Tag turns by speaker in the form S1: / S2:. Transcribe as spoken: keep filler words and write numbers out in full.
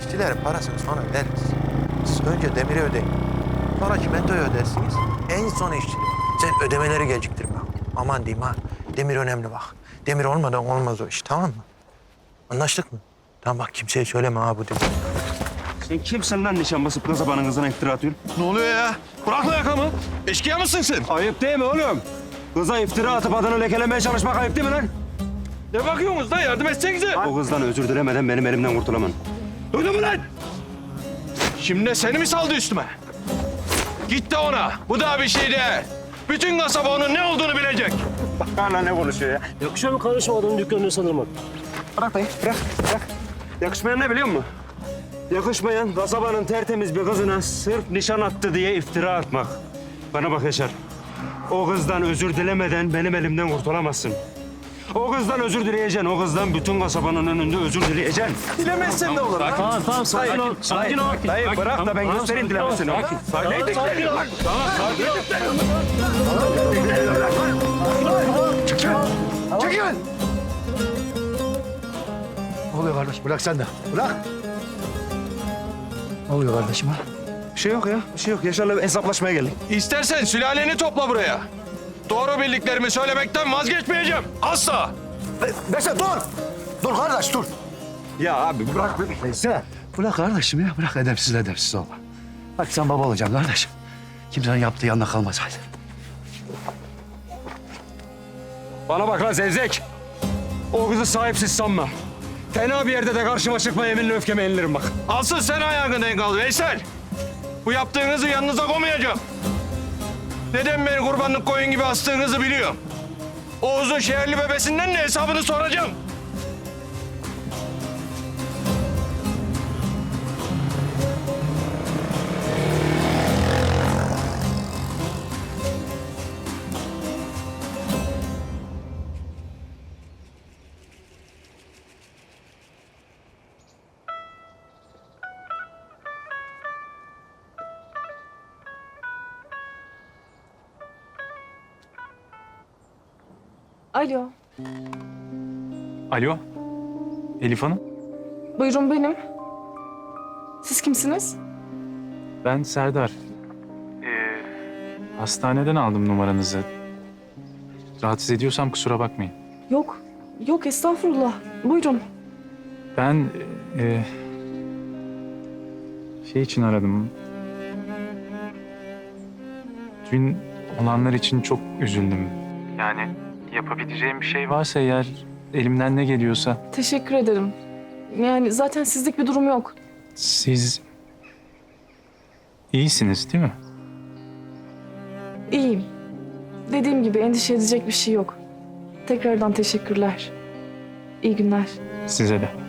S1: İşçilerin parasını sonra veririz. Siz önce demiri ödeyin. Sonra çimentoyu ödersiniz. En son işçilik. Sen ödemeleri geciktirme. Aman diyeyim ha. Demir önemli bak. Demir olmadan olmaz o iş, tamam mı? Anlaştık mı? Tamam bak, kimseye söyleme ha bu demir.
S2: Sen kimsin lan nişan basıp kasabanın kızına iftira atıyorsun?
S3: Ne oluyor ya? Bırak lan yakamı. Eşkıya mısın sen?
S2: Ayıp değil mi oğlum? Kıza iftira atıp adını lekelemeye çalışmak ayıp değil mi lan?
S3: Ne bakıyorsunuz da yardım etsenize.
S2: O kızdan özür dilemeden benim elimden kurtulamam.
S3: Öyle mi lan? Şimdi de seni mi saldı üstüme? Git de ona. Bu da bir şey değil. Bütün kasaba onun ne olduğunu bilecek.
S2: Bak hala ne konuşuyor ya?
S4: Yakışıyor mu kardeşim adamın dükkanını saldırmak?
S2: Bırak dayı, bırak, bırak. Yakışmayan ne biliyor musun? Yakışmayan kasabanın tertemiz bir kızına sırf nişan attı diye iftira atmak. Bana bak Yaşar. O kızdan özür dilemeden benim elimden kurtulamazsın. O kızdan özür dileyeceksin. O kızdan bütün kasabanın önünde özür dileyeceksin.
S3: Dilemezsen de olur lan.
S4: Tamam tamam sakin ol. Sakin ol.
S2: Dayı bırak da ben
S4: Tamam,
S2: göstereyim
S4: sakin ol,
S2: dilemesini.
S4: sakin.
S2: Sakin.
S4: Tamam, sakin ol.
S3: Tamam, sakin ol.
S1: Çekil! Ne oluyor kardeş? Bırak sen de. Bırak. Ne oluyor kardeşim ha?
S2: Bir şey yok ya, bir şey yok. Yaşar'la hesaplaşmaya geldik.
S3: İstersen sülaleni topla buraya. Doğru bildiklerimi söylemekten vazgeçmeyeceğim. Asla.
S1: Veysel dur! Dur kardeş dur.
S2: Ya abi bırak beni.
S5: Veysel, bırak kardeşim ya. Bırak edepsiz edepsiz olma. Bak sen baba olacaksın kardeşim. Kimsenin yaptığı yanına kalmasaydı.
S2: Bana bak lan zevzek. O kızı sahipsiz sanma. Fena bir yerde de karşıma çıkma yeminle öfkeme yenilirim bak.
S3: Asıl sen ayağını denk al Veysel. Bu yaptığınızı yanınıza koymayacağım. Neden beni kurbanlık koyun gibi astığınızı biliyorum. Oğuz'un şehirli bebesinden de hesabını soracağım.
S6: Alo,
S7: Alo, Elif Hanım.
S6: buyurun benim. Siz kimsiniz?
S7: Ben Serdar. Ee, hastaneden aldım numaranızı. Rahatsız ediyorsam kusura bakmayın.
S6: Yok, yok estağfurullah. Buyurun.
S7: Ben e, şey için aradım. Dün olanlar için çok üzüldüm. Yani yapabileceğim bir şey varsa eğer, elimden ne geliyorsa.
S6: Teşekkür ederim. Yani zaten sizlik bir durum yok.
S7: Siz iyisiniz değil mi?
S6: İyiyim. Dediğim gibi endişe edecek bir şey yok. Tekrardan teşekkürler. İyi günler.
S7: Size de.